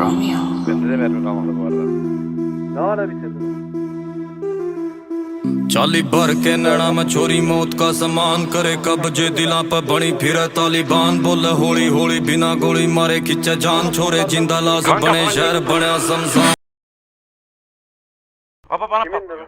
Romeo. Bende de mermi kalmadı bu arada. Ne ara bitirdin? चाली भर के नैना में छोरी मौत का समान करे कब्जे दिला पर बनी फिर तालिबान बोले होली होली बिना गोली मारे खिंचे जान छोरे जिंदा लाश बने शहर बने शमशान Baba bana Kimin patlıyor. dedi?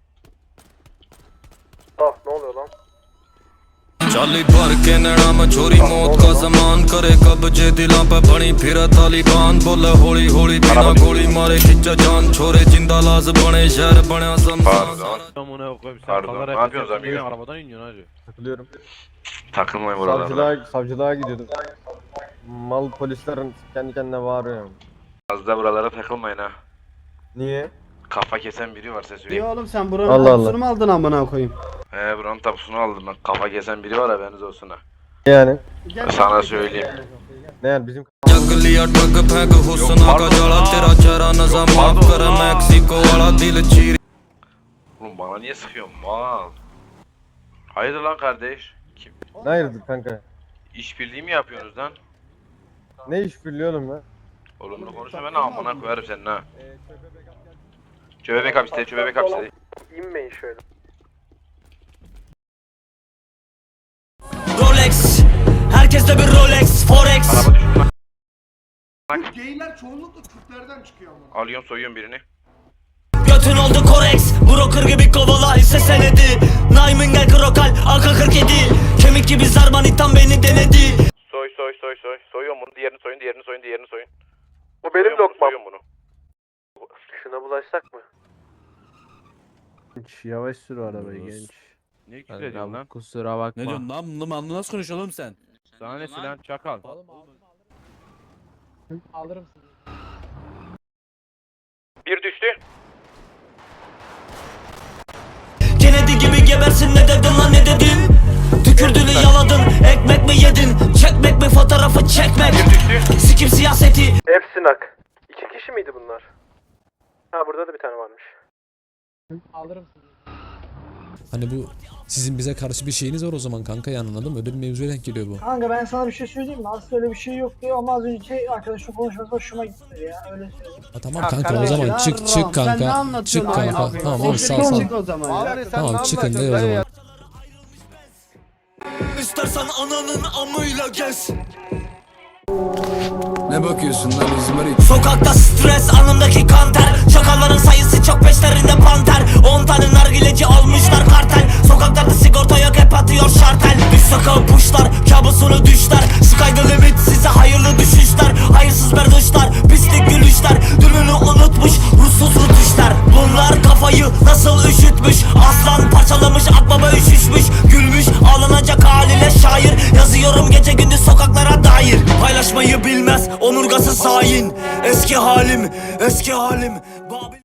Ah ne oluyor lan? चाली भर के नैना में छोरी मौत का समान करे कब्जे दिला पर बनी फिर तालिबान बोले होली होली बिना गोली मारे खिंचे जान छोरे जिंदा लाश बने शहर बने शमशान Pardon. Koyayım, sen Pardon, kalarak ne yapıyorsun yapıyorsun, amigo? arabadan iniyorsun hacı. Takılıyorum. Takılmayın buralarda. Savcılığa gidiyordum. Mal polislerin kendi kendine bağırıyor. Az da buralara takılmayın ha. Niye? Kafa kesen biri varsa İyi söyleyeyim. oğlum sen buranın Allah Allah. kokusunu mu aldın amına koyayım? Buranın tapusunu aldım ben. Kafa kesen biri var haberiniz olsun ha. Yani? Gel Sana söyleyeyim. Ne yani bizim जग लिया टग फेंक हुस्ना का जला तेरा चेहरा नजर माफ कर मैक्सिको वाला दिल चीर Oğlum bana niye sıkıyorsun mal? Hayırdır lan kardeş? Kim? ne ayırdık kanka? İşbirliği mi yapıyorsunuz lan? Ne iş birliği oğlum lan? Olumlu konuşma ben amına koyarım senin ha. Çöbebek hapiste, çöbebek hapiste. İnmeyin şöyle. Rolex, herkeste bir Rolex, Forex. Araba düştü lan. Geyler çoğunlukla Türklerden çıkıyor ama. Alıyorum soyuyorum birini. Götün oldu Korex, broker gibi kovala hisse senedi. Naimin gel krokal, AK-47. Kemik gibi zarmanitan beni denedi. Soy. Soyuyorum bunu. Diğerini soyun, diğerini soyun. Bu benim lokmam. Soyuyorum bunu. Şuna bulaşsak mı? Yavaş sür arabayı genç. Niye küfür ediyorsun lan? Kusura bakma. Ne diyorsun lan? Bunu nasıl konuşuyorsun oğlum sen? Sana ne silah çakal. Bir düştü. Kennedy gibi gebersin ne dedin lan ne dedin? Tükürdüğünü yaladın, ekmek mi yedin? Çekmek mi fotoğrafı çekmek? Sikim siyaseti. Hepsi nak. 2 kişi miydi bunlar? Ha burada da bir tane varmış. Hani bu sizin bize karşı bir şeyiniz var o zaman kanka yani anladın mı? Öyle bir mevzuya denk geliyor bu. Kanka ben sana bir şey söyleyeyim mi? Aslında öyle bir şey yok diyor ama az önceki arkadaşın konuşması hoşuma gitti ya. Öyle söyleyeyim. Ha, tamam kanka o zaman çık Sen ne kanka. anlatıyorsun Çık abi? kanka. Tamam abi Siktir sağ çık sağ. o zaman ya. Tamam çıkın de o zaman. İstersen ananın amıyla gez. Ne bakıyorsun lan İzmarit? Sokakta stres, anımdaki kanter. Çakalların sayısı çok, peşlerinde panter. 10 tane nargileci almışlar kartel. Sokaklarda sigorta yok, hep atıyor şartel. Üst sokağı puşlar, kabusunu düşler. Sky the limit, size hayırlı düşüşler. Hayırsız berduşlar, pislik gülüşler. Dününü unutmuş, ruhsuz rutuşlar. Bunlar kafayı nasıl üşütmüş? Aslan parçalamış, akbaba üşüşmüş. Gülmüş, ağlanacak haliyle şair. Yazıyorum gece gündüz sokaklara dair. Paylaşmayı bilmez, omurgasız hain. Eski halim, Babil